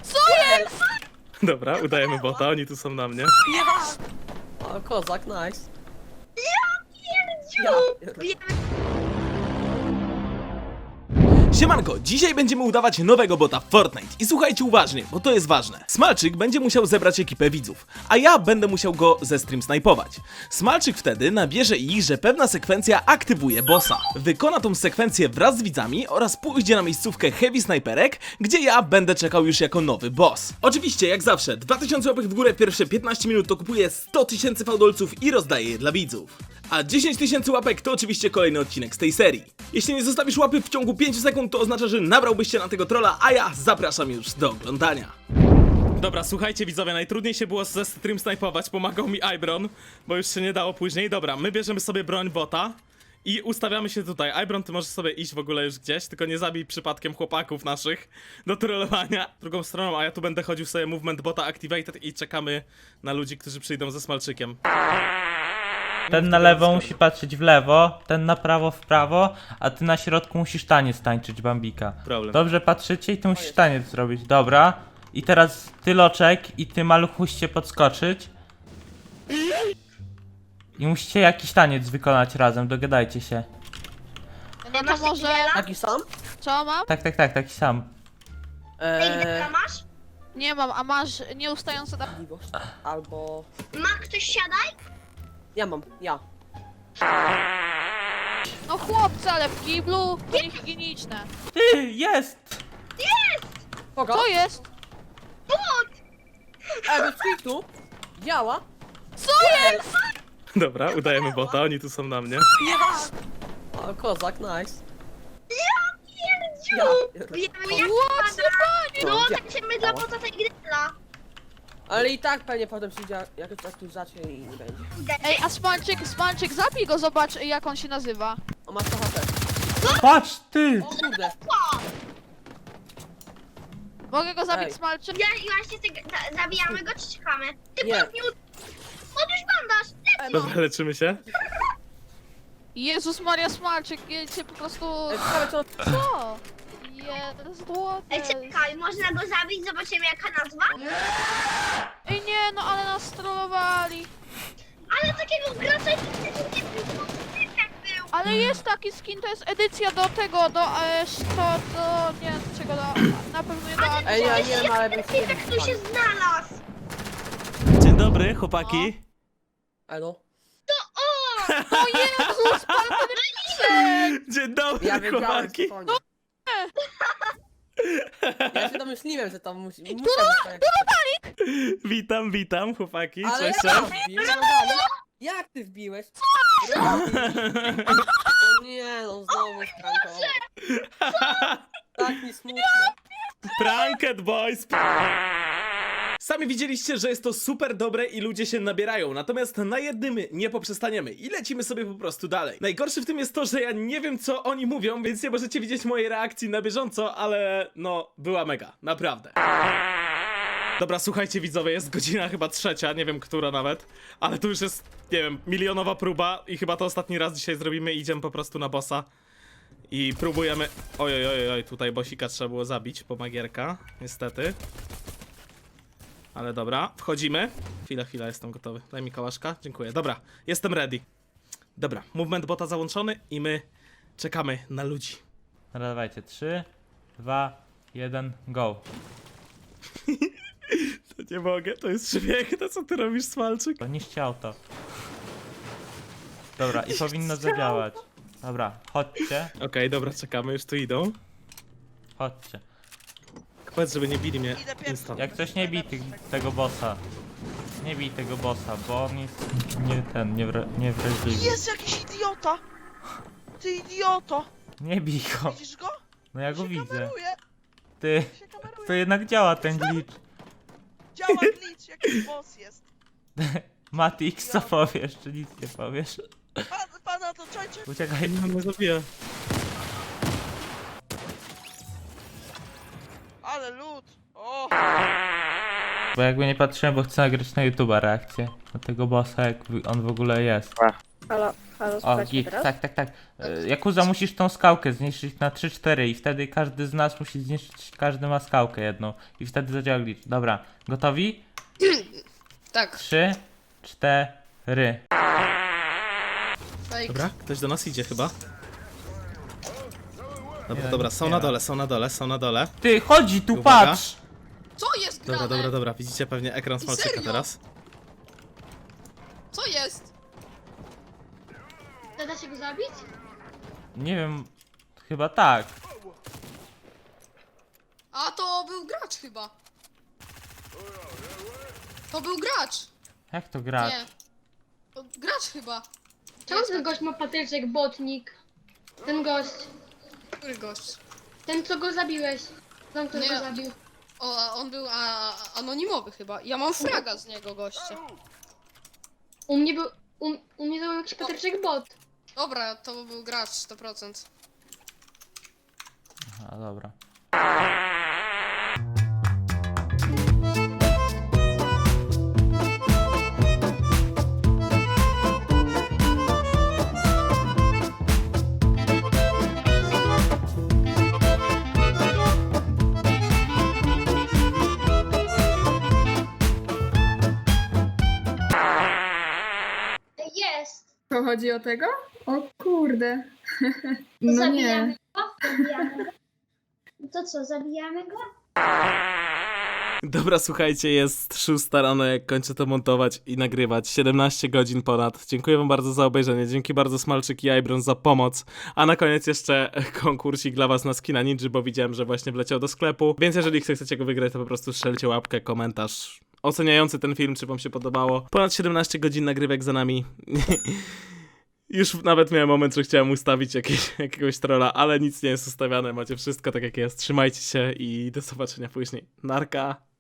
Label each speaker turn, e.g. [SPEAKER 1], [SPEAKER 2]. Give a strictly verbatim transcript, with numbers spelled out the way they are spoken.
[SPEAKER 1] Co jest?
[SPEAKER 2] Dobra, udajemy bota, oni tu są na mnie.
[SPEAKER 3] O, kozak, nice.
[SPEAKER 4] Pierdziu!
[SPEAKER 2] Siemanko, dzisiaj będziemy udawać nowego bota w Fortnite i słuchajcie uważnie, bo to jest ważne. Smalczyk będzie musiał zebrać ekipę widzów, a ja będę musiał go ze stream snajpować. Smalczyk wtedy nabierze ich, że pewna sekwencja aktywuje bossa. Wykona tą sekwencję wraz z widzami oraz pójdzie na miejscówkę Heavy Snajperek, gdzie ja będę czekał już jako nowy boss. Oczywiście, jak zawsze, dwa tysiące łapek w górę w pierwsze piętnaście minut to kupuję sto tysięcy fałdolców i rozdaję je dla widzów. A dziesięć tysięcy łapek to oczywiście kolejny odcinek z tej serii. Jeśli nie zostawisz łapy w ciągu pięciu sekund, to oznacza, że nabrałbyś się na tego trolla, a ja zapraszam już do oglądania. Dobra, słuchajcie widzowie, najtrudniej się było ze stream snajpować, pomagał mi Ibron, bo już się nie dało później. Dobra, my bierzemy sobie broń bota i ustawiamy się tutaj. Ibron, ty możesz sobie iść w ogóle już gdzieś, tylko nie zabij przypadkiem chłopaków naszych do trollowania. Drugą stroną, a ja tu będę chodził sobie movement bota activated i czekamy na ludzi, którzy przyjdą ze Smalczykiem.
[SPEAKER 5] Ten na lewo musi patrzeć w lewo, ten na prawo w prawo, a ty na środku musisz taniec tańczyć, Bambika.
[SPEAKER 2] Problem.
[SPEAKER 5] Dobrze patrzycie i ty musisz taniec zrobić, dobra. I teraz ty Loczek i ty Maluch musicie podskoczyć. I musicie jakiś taniec wykonać razem, dogadajcie się.
[SPEAKER 1] Nie, to może...
[SPEAKER 3] Taki sam?
[SPEAKER 1] Co mam?
[SPEAKER 5] Tak, tak, tak, taki sam.
[SPEAKER 4] Ej,
[SPEAKER 3] Eee,
[SPEAKER 4] Deka masz?
[SPEAKER 1] Nie mam, a masz nieustające da...
[SPEAKER 3] albo...
[SPEAKER 4] Ma ktoś siadaj?
[SPEAKER 3] Ja mam, ja.
[SPEAKER 1] No chłopcy, ale w kiblu to niehigieniczne.
[SPEAKER 5] Ty, jest!
[SPEAKER 3] Kogo?
[SPEAKER 1] Co jest?
[SPEAKER 3] Ej, bez kwitu. Działa.
[SPEAKER 1] Co jest?
[SPEAKER 2] Dobra, udajemy bota, oni tu są na mnie.
[SPEAKER 3] O, kozak, nice.
[SPEAKER 4] Pierdziu!
[SPEAKER 3] Ja.
[SPEAKER 4] Wiemy jak
[SPEAKER 1] What the fuck?
[SPEAKER 4] No,
[SPEAKER 3] Ja.
[SPEAKER 4] tak się my dla bota tej gry dla.
[SPEAKER 3] Ale i tak pewnie potem przyjdzie jakoś aktualizacja i nie będzie.
[SPEAKER 1] Ej, a Smalczyk, Smalczyk, zabij go, zobacz jak on się nazywa.
[SPEAKER 3] O, masz to H P.
[SPEAKER 5] Patrz, ty!
[SPEAKER 3] O kurde.
[SPEAKER 1] Mogę go zabić,
[SPEAKER 3] Ej.
[SPEAKER 1] Smalczyk?
[SPEAKER 4] Ja, właśnie ty, za, zabijamy go czy czekamy? Ty
[SPEAKER 3] Nie.
[SPEAKER 4] podniósł! Podniósł bandaż!
[SPEAKER 2] Dobra, leczymy się.
[SPEAKER 1] Jezus Maria, Smalczyk, jedzie po prostu...
[SPEAKER 3] Ej, ciekawe co...
[SPEAKER 1] Co? Jest złote.
[SPEAKER 4] Ej, czekaj, można go zabić, zobaczymy jaka nazwa?
[SPEAKER 1] Ej nie, no ale nas strollowali.
[SPEAKER 4] Ale takiego gracza nigdy nie było, jak był!
[SPEAKER 1] Ale jest taki skin, to jest edycja do tego, do... E, to, do... nie wiem czego, do... na pewno nie do...
[SPEAKER 3] Ej, ja nie wiem, ale bym
[SPEAKER 4] Ty tak tu się znalazł!
[SPEAKER 2] Dzień dobry, chłopaki.
[SPEAKER 3] Elo.
[SPEAKER 1] O Jezus, pan ten
[SPEAKER 2] Dzień dobry,
[SPEAKER 3] Ja wiedziałem,
[SPEAKER 2] chłopaki.
[SPEAKER 3] spokojnie. Ja się domyśliłem, że tam musi... muszę zostać.
[SPEAKER 2] Witam, witam, chłopaki.
[SPEAKER 3] Ale
[SPEAKER 2] Cześć,
[SPEAKER 3] ja
[SPEAKER 2] cześć.
[SPEAKER 3] wbiłem, no, jak ty wbiłeś? O nie, no znowu sprankował. Tak mi smutno.
[SPEAKER 2] Pranked boys. Sami widzieliście, że jest to super dobre i ludzie się nabierają, natomiast na jednym nie poprzestaniemy i lecimy sobie po prostu dalej. Najgorsze w tym jest to, że ja nie wiem co oni mówią, więc nie możecie widzieć mojej reakcji na bieżąco, ale no, była mega, naprawdę. Dobra, słuchajcie widzowie, jest godzina chyba trzecia, nie wiem która nawet, ale tu już jest, nie wiem, milionowa próba i chyba to ostatni raz dzisiaj zrobimy i idziemy po prostu na bossa. I próbujemy... Oj, oj, oj, oj, tutaj bossika trzeba było zabić, po magierka, niestety. Ale dobra, wchodzimy. Chwila, chwila, jestem gotowy. Daj mi kałaszka, dziękuję. Dobra, jestem ready. Dobra, movement bota załączony i my czekamy na ludzi.
[SPEAKER 5] Dobra, dawajcie, trzy, dwa, jeden, go.
[SPEAKER 2] To nie mogę, to jest przepiękne, co ty robisz, Smalczyk?
[SPEAKER 5] To niszcie auto. Dobra, i powinno zadziałać. Dobra, chodźcie,
[SPEAKER 2] Okej, dobra, czekamy, już tu idą.
[SPEAKER 5] chodźcie.
[SPEAKER 2] Powiedz, żeby nie bili mnie instant.
[SPEAKER 5] Jak coś nie bij tych, tego bossa. Nie bij tego bossa, bo on jest nie ten, niewra, niewrażliwy.
[SPEAKER 6] Jest jakiś idiota! Ty idioto!
[SPEAKER 5] Nie bij go.
[SPEAKER 6] Widzisz go?
[SPEAKER 5] No ja go
[SPEAKER 6] się
[SPEAKER 5] widzę.
[SPEAKER 6] kameruje!
[SPEAKER 5] Ty,
[SPEAKER 6] Się kameruje!
[SPEAKER 5] to jednak działa ten glitch.
[SPEAKER 6] Działa glitch, jakiś boss jest.
[SPEAKER 5] Matix, co powiesz, czy nic nie powiesz?
[SPEAKER 6] Pan, pana to czajcie?
[SPEAKER 5] Uciekaj.
[SPEAKER 2] Nie, mnie zabija.
[SPEAKER 6] Ale lód! O!
[SPEAKER 5] Bo jakby nie patrzyłem, bo chcę nagrać na YouTube'a reakcję na tego bossa, jak on w ogóle jest.
[SPEAKER 3] Halo.
[SPEAKER 7] Halo,
[SPEAKER 5] O,
[SPEAKER 7] słuchajcie
[SPEAKER 5] git,
[SPEAKER 7] teraz?
[SPEAKER 5] tak, tak, tak. E, Jakuza, musisz tą skałkę zniszczyć na trzy cztery i wtedy każdy z nas musi zniszczyć, każdy ma skałkę jedną. I wtedy zadziała glitch. Dobra, gotowi?
[SPEAKER 3] Tak.
[SPEAKER 5] trzy, cztery.
[SPEAKER 3] Fake.
[SPEAKER 2] Dobra, ktoś do nas idzie chyba. Dobra,
[SPEAKER 5] Nie,
[SPEAKER 2] dobra,
[SPEAKER 5] nic
[SPEAKER 2] są
[SPEAKER 5] nie
[SPEAKER 2] na
[SPEAKER 5] ma.
[SPEAKER 2] dole, są na dole, są na dole.
[SPEAKER 5] Ty, chodzi tu,
[SPEAKER 2] Uwaga.
[SPEAKER 5] patrz!
[SPEAKER 3] Co jest grane?
[SPEAKER 2] Dobra, dobra, dobra, widzicie pewnie ekran Smalczyka
[SPEAKER 3] Serio?
[SPEAKER 2] teraz.
[SPEAKER 3] Co jest?
[SPEAKER 4] Da się go zabić?
[SPEAKER 5] Nie wiem, chyba tak.
[SPEAKER 3] A to był gracz chyba. To był gracz.
[SPEAKER 5] Jak to grać?
[SPEAKER 3] Nie. To gracz chyba.
[SPEAKER 4] Czemu ten gość ma patyczek, botnik? Ten gość.
[SPEAKER 3] Który gość?
[SPEAKER 4] Ten, co go zabiłeś. Ten, kto
[SPEAKER 3] Nie.
[SPEAKER 4] go zabił.
[SPEAKER 3] O, a on był a, a, anonimowy chyba. Ja mam fraga z niego, goście.
[SPEAKER 4] U mnie był... U, u mnie to był jakiś patyczek bot.
[SPEAKER 3] Dobra, to był gracz sto procent.
[SPEAKER 5] A dobra.
[SPEAKER 4] Jest!
[SPEAKER 8] To chodzi o tego? O kurde.
[SPEAKER 4] To
[SPEAKER 8] No
[SPEAKER 4] zabijamy
[SPEAKER 8] nie.
[SPEAKER 4] go? Zabijamy go. To co, zabijamy go?
[SPEAKER 2] Dobra, słuchajcie, jest szósta rano, jak kończę to montować i nagrywać. siedemnaście godzin ponad. Dziękuję wam bardzo za obejrzenie. Dzięki bardzo Smalczyk i Ibron za pomoc. A na koniec jeszcze konkursik dla was na skina Ninja, bo widziałem, że właśnie wleciał do sklepu. Więc jeżeli chcecie go wygrać, to po prostu strzelcie łapkę, komentarz oceniający ten film, czy wam się podobało. Ponad siedemnaście godzin nagrywek za nami. Już nawet miałem moment, że chciałem ustawić jakieś, jakiegoś trolla, ale nic nie jest ustawiane. Macie wszystko tak jak jest. Trzymajcie się i do zobaczenia później. Narka!